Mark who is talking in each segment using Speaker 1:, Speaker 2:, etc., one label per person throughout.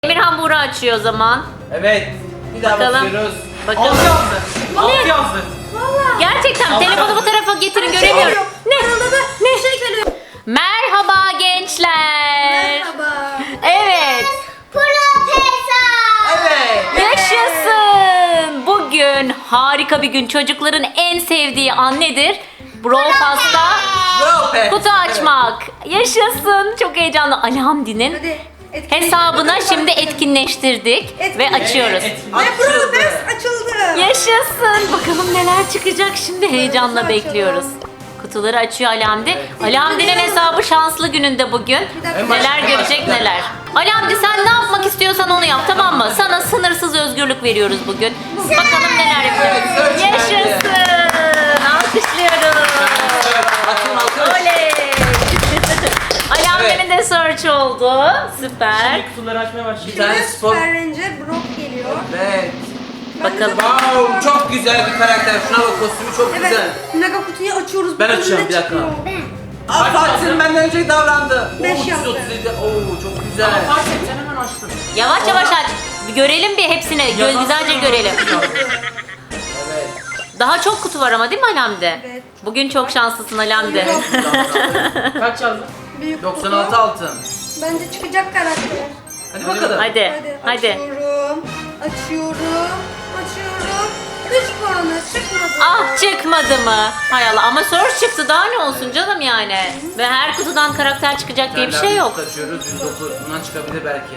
Speaker 1: Emir hamuru açıyor o zaman.
Speaker 2: Evet. Bir daha
Speaker 1: Bakalım.
Speaker 2: basıyoruz.
Speaker 1: Bakalım.
Speaker 2: 6 yazdı.
Speaker 1: Bu
Speaker 2: 6
Speaker 1: ne?
Speaker 2: yazdı.
Speaker 3: Vallahi.
Speaker 1: Gerçekten
Speaker 2: Allah.
Speaker 1: telefonu bu tarafa getirin göremiyorum. Ne?
Speaker 3: Ne şey geliyor.
Speaker 1: Merhaba gençler.
Speaker 3: Merhaba.
Speaker 1: Evet.
Speaker 3: Profesör.
Speaker 2: Evet.
Speaker 1: Yaşasın. Bugün harika bir gün. Çocukların en sevdiği an nedir? Brawl Pass'ta
Speaker 2: Bravo Pet.
Speaker 1: kutu açmak. Yaşasın. Çok heyecanlı. Alhamdi'nin
Speaker 3: Hadi. etkinleştir.
Speaker 1: hesabına
Speaker 3: Hadi
Speaker 1: şimdi
Speaker 3: başlayalım.
Speaker 1: etkinleştirdik ve
Speaker 3: Etkinleştir.
Speaker 1: açıyoruz.
Speaker 3: Ve Profesör açıldı.
Speaker 1: Yaşasın. Bakalım neler çıkacak şimdi. Heyecanla
Speaker 3: Açalım.
Speaker 1: bekliyoruz. Kutuları açıyor Alamdi.
Speaker 2: Evet.
Speaker 1: Alamdi'nin hesabı şanslı gününde bugün.
Speaker 3: dakika.
Speaker 1: Neler
Speaker 2: En
Speaker 1: görecek
Speaker 2: başta.
Speaker 1: neler. Alamdi sen ne yapmak istiyorsan onu yap, tamam mı? Sana sınırsız özgürlük veriyoruz bugün. Bakalım neler yapacak.
Speaker 2: Evet, search
Speaker 1: Yaşasın. Alkışlıyoruz.
Speaker 2: Atın.
Speaker 1: Oley. Alamdi'nin de search oldu. Süper.
Speaker 4: Şimdi kutuları açmaya
Speaker 2: Bir
Speaker 4: başlayalım.
Speaker 2: tane
Speaker 3: Şimdi
Speaker 2: spor.
Speaker 3: Süper Ranger Brock geliyor.
Speaker 2: Evet.
Speaker 3: Ben de
Speaker 1: Bakalım.
Speaker 2: Wow, çok güzel bir karakter. Şuna bak, kostümü çok
Speaker 3: Evet.
Speaker 2: güzel.
Speaker 3: Mega kutuyu açıyoruz.
Speaker 2: Ben
Speaker 3: Bakalım
Speaker 2: açıyorum,
Speaker 3: ne
Speaker 2: bir dakika.
Speaker 3: çıkıyor.
Speaker 2: Aa, Fatih'in benden önce davrandı.
Speaker 3: 5
Speaker 2: Oo,
Speaker 3: yaptı.
Speaker 2: 337. Oo, çok güzel.
Speaker 4: Ama fark et sen hemen açtın.
Speaker 1: Yavaş yavaş aç. Bir görelim bir hepsini. Güzelce görelim.
Speaker 2: Evet.
Speaker 1: Daha çok kutu var ama değil mi Alamdi?
Speaker 3: Evet.
Speaker 1: Bugün çok şanslısın Alamdi.
Speaker 4: Kaç yazdın?
Speaker 3: Büyük
Speaker 2: 96
Speaker 3: kutu.
Speaker 2: altın.
Speaker 3: Bence çıkacak karakter.
Speaker 2: Hadi bakalım.
Speaker 1: Hadi. Hadi.
Speaker 3: Açıyorum. Açıyorum. Açıyorum. 3 puanı çıkmadı.
Speaker 1: Ah, çıkmadı mı? Hay Allah, ama soru çıktı, daha ne olsun canım yani. Ve her kutudan karakter çıkacak diye bir şey yok.
Speaker 2: Açıyoruz 109. Bundan çıkabilir belki.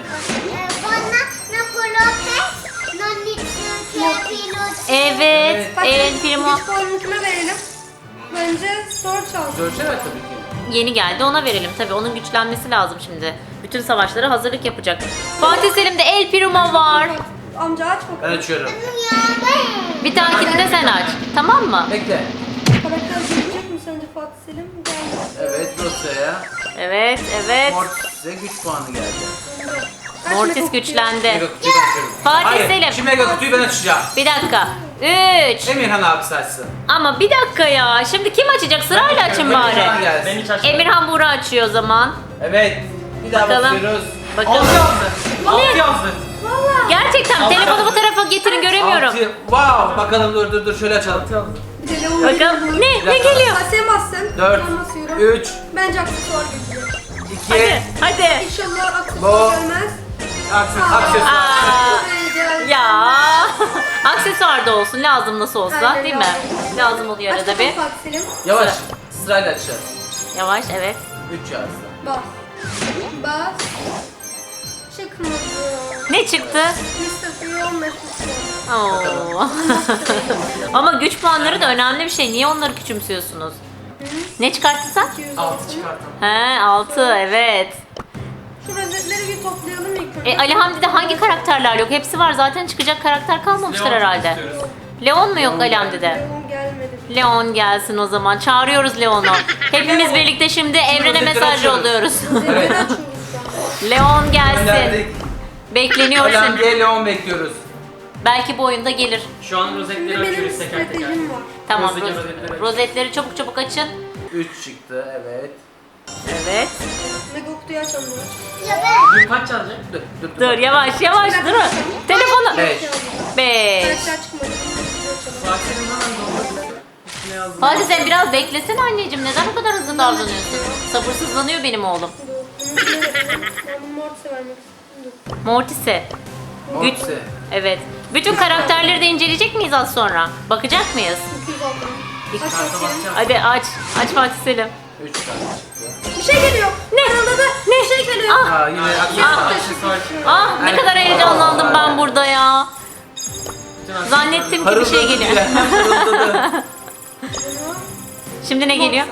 Speaker 1: Evet,
Speaker 3: Bak,
Speaker 1: El Primo
Speaker 3: 3 puanını kime verelim? Bence Sor çalsın.
Speaker 2: Görüşürüz tabii ki.
Speaker 1: yeni geldi, ona verelim tabii. Onun güçlenmesi lazım şimdi. Bütün savaşlara hazırlık yapacak. Fatih Selim'de El Primo var.
Speaker 3: Amca aç
Speaker 2: Ben
Speaker 3: bakalım.
Speaker 2: açıyorum.
Speaker 1: Bir dahakini de sen aç. Tamam mı?
Speaker 2: Bekle.
Speaker 3: Karakter gelecek mi sence Fatih Selim? Geldi.
Speaker 2: Evet, dosyaya.
Speaker 1: Evet, evet.
Speaker 2: Mortis'e güç puanı geldi.
Speaker 3: Aç
Speaker 1: Mortis
Speaker 3: Mega kutuyu.
Speaker 1: güçlendi.
Speaker 2: Mega kutuyu ben açıyorum.
Speaker 1: Fatih
Speaker 2: Hayır,
Speaker 1: Selim.
Speaker 2: şimdi mega kutuyu ben açacağım.
Speaker 1: Bir dakika. 3.
Speaker 2: Emirhan abi saçsın.
Speaker 1: Ama bir dakika ya. Şimdi kim açacak? Sırayla açın
Speaker 2: Emirhan
Speaker 1: bari.
Speaker 2: gelsin.
Speaker 4: Ben hiç açmadım.
Speaker 1: Emirhan Buğra açıyor o zaman.
Speaker 2: Evet. Bir daha
Speaker 1: Bakalım.
Speaker 2: basıyoruz.
Speaker 4: 6
Speaker 1: Bakalım.
Speaker 4: yazdı. 6 yazdı.
Speaker 3: Valla.
Speaker 1: Gerçekten telefonu bu tarafa getirin, göremiyorum.
Speaker 2: 6. Wow. Bakalım, dur şöyle açalım.
Speaker 4: 6 yazdı.
Speaker 3: Bir de Leon
Speaker 1: Bakalım. Ne
Speaker 2: dakika.
Speaker 1: geliyor?
Speaker 3: Sen bassın.
Speaker 2: 4.
Speaker 3: Ben basıyorum.
Speaker 2: 3.
Speaker 3: Bence aksesuar gelecek.
Speaker 2: 2.
Speaker 1: Hadi, hadi.
Speaker 3: İnşallah
Speaker 2: Bu.
Speaker 3: aksesuar gelmez.
Speaker 2: Aksesuar.
Speaker 1: Aa,
Speaker 3: Geldi.
Speaker 1: ya. Aksesuar da olsun, lazım nasıl olsa,
Speaker 3: Aynen,
Speaker 1: değil mi? Lazım oluyor
Speaker 3: Aç
Speaker 1: arada
Speaker 3: bakalım
Speaker 1: bir.
Speaker 3: Fatih Selim.
Speaker 2: Yavaş. Sırayla açacağız.
Speaker 1: Yavaş, evet.
Speaker 2: 3 yazdı.
Speaker 3: Bas. Bas. Çıkmadı.
Speaker 1: Ne çıktı?
Speaker 3: Mr. Free 15 puan.
Speaker 1: Oo. Ama güç puanları da önemli bir şey. Niye onları küçümsüyorsunuz? Ne çıkarttın sen?
Speaker 3: 200
Speaker 4: 6
Speaker 3: altın.
Speaker 4: çıkarttım.
Speaker 1: He, 6, evet.
Speaker 3: Şu rozetleri bir toplayalım ilk önce.
Speaker 1: Ali Hamdi'de hangi karakterler yok? Hepsi var zaten, çıkacak karakter kalmamıştır
Speaker 4: Leon
Speaker 1: herhalde.
Speaker 4: istiyoruz.
Speaker 1: Leon mu yok Ali Hamdi'de?
Speaker 3: Leon gelmedi.
Speaker 1: Leon gelsin o zaman. Çağırıyoruz Leon'u. Hepimiz birlikte şimdi evrene
Speaker 2: rozetleri
Speaker 1: mesaj
Speaker 2: açıyoruz.
Speaker 1: yolluyoruz.
Speaker 2: Evet.
Speaker 3: Rozetleri açıyoruz şu an.
Speaker 1: Leon gelsin.
Speaker 2: Gönderdik.
Speaker 1: Bekleniyor
Speaker 2: Ölen
Speaker 1: şimdi.
Speaker 2: diye Leon bekliyoruz.
Speaker 1: Belki bu oyunda gelir.
Speaker 4: Şu an
Speaker 3: Şimdi
Speaker 4: rozetleri
Speaker 3: benim
Speaker 4: açıyoruz teker teker.
Speaker 3: stratejim var.
Speaker 1: Tamam,
Speaker 4: Rozetleri.
Speaker 1: rozetleri çabuk çabuk açın.
Speaker 2: 3 çıktı, evet.
Speaker 1: Evet.
Speaker 3: Mega kutuyu açalım.
Speaker 4: Dur kaç yazacak?
Speaker 1: Dur, yavaş yavaş dur. Telefonu.
Speaker 2: 5.
Speaker 1: 5.
Speaker 3: Karakter çıkmadı. Kutuyu açalım.
Speaker 4: Fatih'in hemen doldu. Üstüne yazdım.
Speaker 1: Fatih sen biraz beklesene anneciğim. Neden bu kadar hızlı davranıyorsun? Sabırsızlanıyor benim oğlum.
Speaker 3: Dur, bunu kime verelim? Ben bunu Mortis'e vermek istiyorum.
Speaker 1: Mortis'e. Güç.
Speaker 2: Mortis'e.
Speaker 1: Evet. Bütün karakterleri de inceleyecek miyiz az sonra? Bakacak mıyız?
Speaker 3: 200 altın. Aç
Speaker 4: Karta
Speaker 3: bakayım.
Speaker 4: basacağım.
Speaker 1: Hadi aç. Aç Fatih Selim.
Speaker 2: 3 tane çıktı.
Speaker 3: Bir şey geliyor.
Speaker 1: Ne?
Speaker 3: Ne? Bir şey geliyor.
Speaker 1: Ah.
Speaker 2: Aa, yine aksesuar.
Speaker 4: Aksesuar.
Speaker 1: Ah, ne kadar heyecanlandım ben burada ya. Zannettim ki bir şey geliyor.
Speaker 2: Parıldadı.
Speaker 1: Şimdi ne geliyor?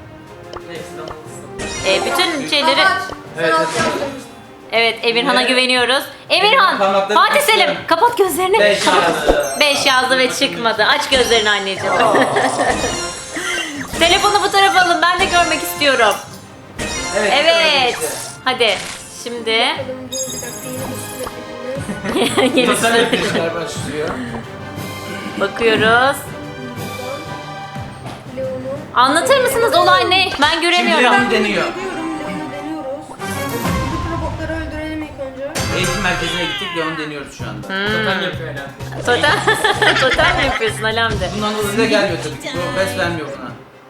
Speaker 1: Bütün şeyleri...
Speaker 3: Aç. Sen
Speaker 2: Evet,
Speaker 3: alt
Speaker 2: evet.
Speaker 3: yazdın.
Speaker 1: Evet, Emirhan'a
Speaker 2: Ne?
Speaker 1: güveniyoruz. Emirhan,
Speaker 2: Parmaklarını
Speaker 1: Fatih
Speaker 2: açtım.
Speaker 1: Selim kapat gözlerini.
Speaker 2: 5
Speaker 1: Kapat.
Speaker 2: yazdı.
Speaker 1: 5 yazdı ve çıkmadı. Aç gözlerini anneciğim. Telefonu bu tarafa alın, ben de görmek istiyorum. Evet. Hadi. Şimdi
Speaker 3: Bakalım, dur bir dakika, yeni bir sürü yapayım.
Speaker 1: yeni
Speaker 2: Sen
Speaker 1: sıra-
Speaker 2: işler başlıyor.
Speaker 1: bakıyoruz.
Speaker 3: Leon'u.
Speaker 1: Anlatır mısınız olay ne? Ben göremiyorum.
Speaker 2: Şimdi deniyor.
Speaker 3: Leon'u deniyoruz. Bütün robotları öldürelim ilk önce.
Speaker 2: Eğitim merkezi merkezine gittik ve onu deniyoruz şu anda.
Speaker 4: Totem yapıyor herhalde.
Speaker 1: Totem, totem mi yapıyorsun Alamde?
Speaker 2: Bundan dolayı da gelmiyor tabii ki. Progress vermiyor buna.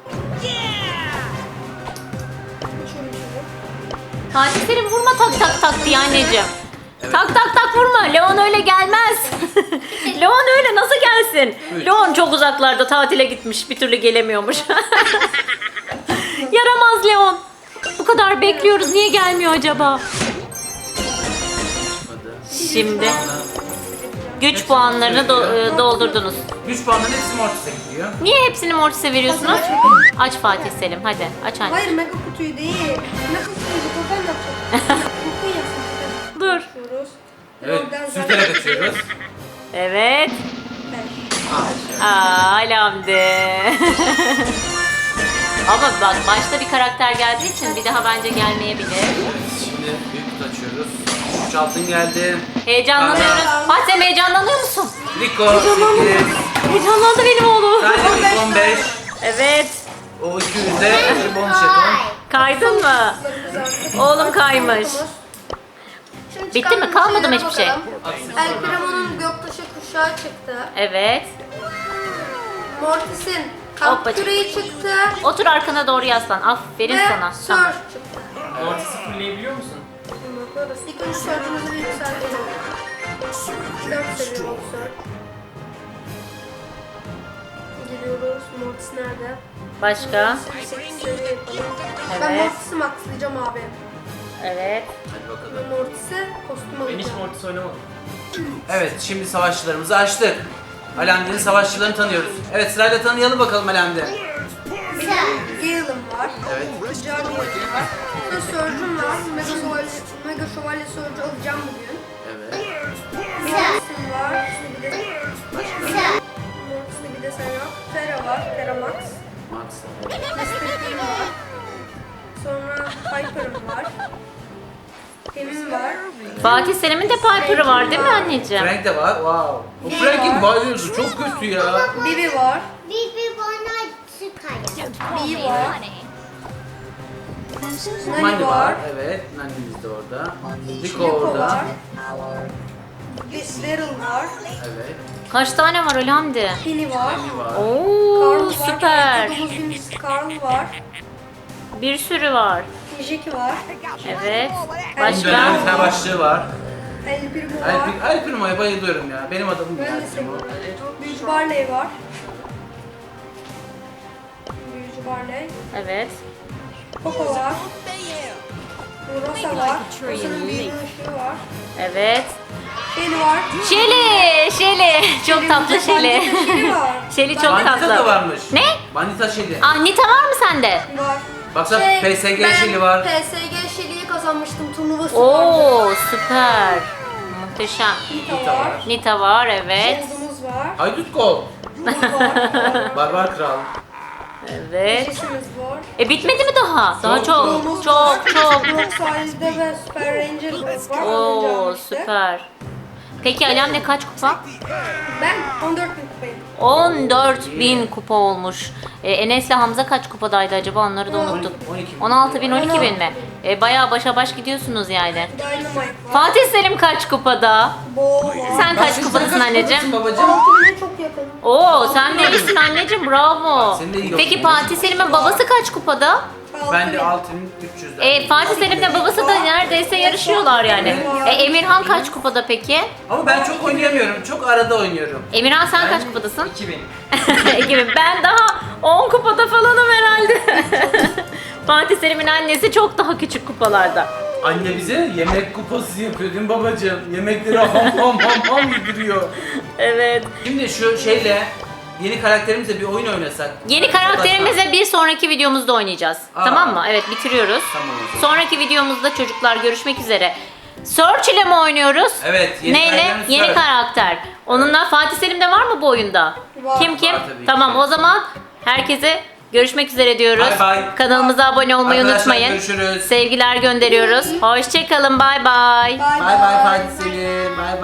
Speaker 1: Fatih Selim vurma tak tak tak diye anneciğim. Tak tak tak vurma. Leon öyle gelmez. Leon öyle nasıl gelsin?
Speaker 2: Evet.
Speaker 1: Leon çok uzaklarda tatile gitmiş. Bir türlü gelemiyormuş. Yaramaz Leon. Bu kadar bekliyoruz. Niye gelmiyor acaba?
Speaker 2: Hadi.
Speaker 1: Şimdi güç puanlarını doldurdunuz.
Speaker 2: Güç puanların hepsi Mortis'e gidiyor.
Speaker 1: Niye hepsini Mortis'e veriyorsunuz? Aç Fatih Selim hadi aç anne.
Speaker 3: Hayır mega kutuyu değil. Mega kutuyu totem yapacağım. Kutu yapsın.
Speaker 1: Dur.
Speaker 3: Açıyoruz.
Speaker 2: Evet,
Speaker 3: Oradan
Speaker 2: sürterek açıyoruz.
Speaker 1: Evet.
Speaker 3: Beş.
Speaker 1: Alamde. Ama bak başta bir karakter geldiği için bir daha bence gelmeyebilir.
Speaker 2: Evet, şimdi büyük kutu açıyoruz. 3 altın geldi.
Speaker 1: Heyecanlanıyoruz. Fatih sen heyecanlanıyor musun?
Speaker 2: Rico 8.
Speaker 1: Heyecanlandı benim oğlum.
Speaker 2: Dynamic 15.
Speaker 1: Evet.
Speaker 2: O 200'de bir bonus jeton.
Speaker 1: Kaydın mı? Oğlum kaymış.
Speaker 3: Şimdi
Speaker 1: Bitti mi?
Speaker 3: çıkan
Speaker 1: Kalmadı mı
Speaker 3: şeylere
Speaker 1: hiçbir şey?
Speaker 3: bakalım. El Primo'nun göktaşı kuşağı çıktı.
Speaker 1: Evet.
Speaker 3: Mortis'in
Speaker 1: Hoppacık.
Speaker 3: kamp küreği çıktı.
Speaker 1: Otur arkana doğru yaslan. Aferin
Speaker 3: Ve
Speaker 1: sana. Tamam.
Speaker 3: Surge çıktı.
Speaker 4: Mortis'i fulleyebiliyor musun?
Speaker 3: İlk önce Surge'ımızı bir yükseltelim. 4 seviye oldu Surge. Giriyoruz. Mortis nerede?
Speaker 1: Başka?
Speaker 3: 8 seviye yapalım. Ben
Speaker 1: Evet.
Speaker 3: Mortis'i maxlayacağım abi.
Speaker 1: Evet.
Speaker 2: Hadi bakalım.
Speaker 3: Ben Mortis'e kostüm
Speaker 4: Ben hiç
Speaker 3: alacağım.
Speaker 4: Mortis oynamadım.
Speaker 2: Evet, şimdi savaşçılarımızı açtık. Alemde'nin savaşçılarını tanıyoruz. Evet, sırayla tanıyalım bakalım Alemde.
Speaker 3: Gale'ım var.
Speaker 2: Evet.
Speaker 3: Jarvan'ım var. Sonra Surge'um var. Mega Şövalye Surge alacağım bugün.
Speaker 2: Evet.
Speaker 3: Mortis'im var. Bir de Mortis'te bir de Serap. Terra var. Terra Max.
Speaker 2: Max.
Speaker 3: Mysterio'm var. Sonra Piper'ım var. Pem'im var.
Speaker 1: Fatih Selim'in de Piper'ı var değil mi anneciğim?
Speaker 2: Frank de var. Wow. O Frank'in bayılıyordu. Çok kötü ya.
Speaker 3: Bibi var.
Speaker 5: Bibi bana çıkar.
Speaker 3: Bee var.
Speaker 2: Mandy
Speaker 3: Nani
Speaker 2: var.
Speaker 3: var.
Speaker 2: Evet. Nanny'miz de orada. Rico
Speaker 3: Nico
Speaker 2: orada.
Speaker 3: var. Daryl var.
Speaker 2: Evet.
Speaker 1: Kaç tane var Alamde?
Speaker 3: Penny var.
Speaker 2: Nanny var.
Speaker 1: Oo
Speaker 3: Carl var.
Speaker 1: süper.
Speaker 3: Domuzun Carl var.
Speaker 1: Bir sürü var.
Speaker 3: Jackie var.
Speaker 1: Evet.
Speaker 2: Bunun dönem
Speaker 1: Başka?
Speaker 2: savaşçığı var.
Speaker 3: El Primo var.
Speaker 2: El Primo'ya bayılıyorum ya. Benim adamım
Speaker 3: Ben de
Speaker 2: El Primo.
Speaker 3: seviyorum. Büyücü Barley var. Büyücü Barley.
Speaker 1: Evet.
Speaker 3: Coco var. Rosa var. Rosa'nın büyülü ışığı var.
Speaker 1: Evet.
Speaker 3: Shelly var.
Speaker 1: Şeli. Çok tatlı Şeli.
Speaker 3: Shelly var.
Speaker 1: Şeli çok
Speaker 2: Bandita
Speaker 1: tatlı.
Speaker 2: da varmış.
Speaker 1: Ne?
Speaker 2: Bandita Shelly.
Speaker 1: Ah Nita var mı sende?
Speaker 3: Var.
Speaker 2: Baksana PSG
Speaker 3: ben
Speaker 2: Shelly var.
Speaker 3: PSG Shelly'yi kazanmıştım. Turnuvası
Speaker 1: Oo
Speaker 3: vardı.
Speaker 1: süper. Muhteşem.
Speaker 3: Nita var.
Speaker 1: Nita var evet.
Speaker 3: Shield'ımız var.
Speaker 2: Haydut Kol.
Speaker 3: Buz var.
Speaker 2: Barbar Kral.
Speaker 1: Evet.
Speaker 3: Jessimiz var.
Speaker 1: Bitmedi mi daha? Daha çok.
Speaker 3: Broom'umuz
Speaker 1: Çok
Speaker 3: var.
Speaker 1: çok.
Speaker 3: Broom sahilde ve Super Ranger grup var.
Speaker 1: Oo
Speaker 3: Önce işte.
Speaker 1: süper. Peki Alem'le kaç kupa?
Speaker 3: Ben 14.000 kupayım.
Speaker 1: 14.000 kupa olmuş. Enes'le Hamza kaç kupadaydı acaba onları da unuttuk.
Speaker 2: 12 bin.
Speaker 1: 16.000 mi? Bayağı başa baş gidiyorsunuz yani.
Speaker 3: Dynamite var.
Speaker 1: Fatih Selim kaç kupada?
Speaker 3: Bo var.
Speaker 1: Sen kaç kupadasın anneciğim?
Speaker 2: Babacığım.
Speaker 3: 6.000'e çok yakın.
Speaker 1: Oo sen de iyisin anneciğim bravo.
Speaker 2: Sen de iyi
Speaker 1: Peki
Speaker 2: yapıyorsun.
Speaker 1: Fatih Selim'in babası kaç kupada?
Speaker 2: Ben de
Speaker 3: 6.000.
Speaker 2: 6300'den.
Speaker 1: Fatih Selim'le babası da neredeyse yarışıyorlar yani. Emirhan kaç kupada peki?
Speaker 2: Ama ben çok oynayamıyorum. Çok arada oynuyorum.
Speaker 1: Emirhan sen kaç kupadasın?
Speaker 4: 2000.
Speaker 1: 2000. Ben daha 10 kupada falanım herhalde. Fatih Selim'in annesi çok daha küçük kupalarda.
Speaker 2: Anne bize yemek kupası yapıyor değil mi babacığım? Yemekleri ham yediriyor.
Speaker 1: Evet.
Speaker 2: Şimdi şu şeyle yeni karakterimizle bir oyun oynasak.
Speaker 1: Yeni karakterimize bir sonraki videomuzda oynayacağız.
Speaker 2: Aa.
Speaker 1: Tamam mı? Evet bitiriyoruz.
Speaker 2: Tamam o zaman.
Speaker 1: Sonraki videomuzda çocuklar görüşmek üzere. Search ile mi oynuyoruz?
Speaker 2: Evet, yeni
Speaker 1: Neyle?
Speaker 2: karakterimiz
Speaker 1: Yeni
Speaker 2: Search.
Speaker 1: karakter. Onunla Fatih Selim de var mı bu oyunda?
Speaker 3: Var.
Speaker 1: Kim kim?
Speaker 2: Var tabii ki.
Speaker 1: Tamam o zaman herkese görüşmek üzere diyoruz.
Speaker 2: Bay bay.
Speaker 1: Kanalımıza abone olmayı
Speaker 2: Arkadaşlar,
Speaker 1: unutmayın.
Speaker 2: görüşürüz.
Speaker 1: Sevgiler gönderiyoruz. Hoşçakalın. Bay bay.
Speaker 3: Bye
Speaker 2: Bay bay Fatih Selim. Bay bay.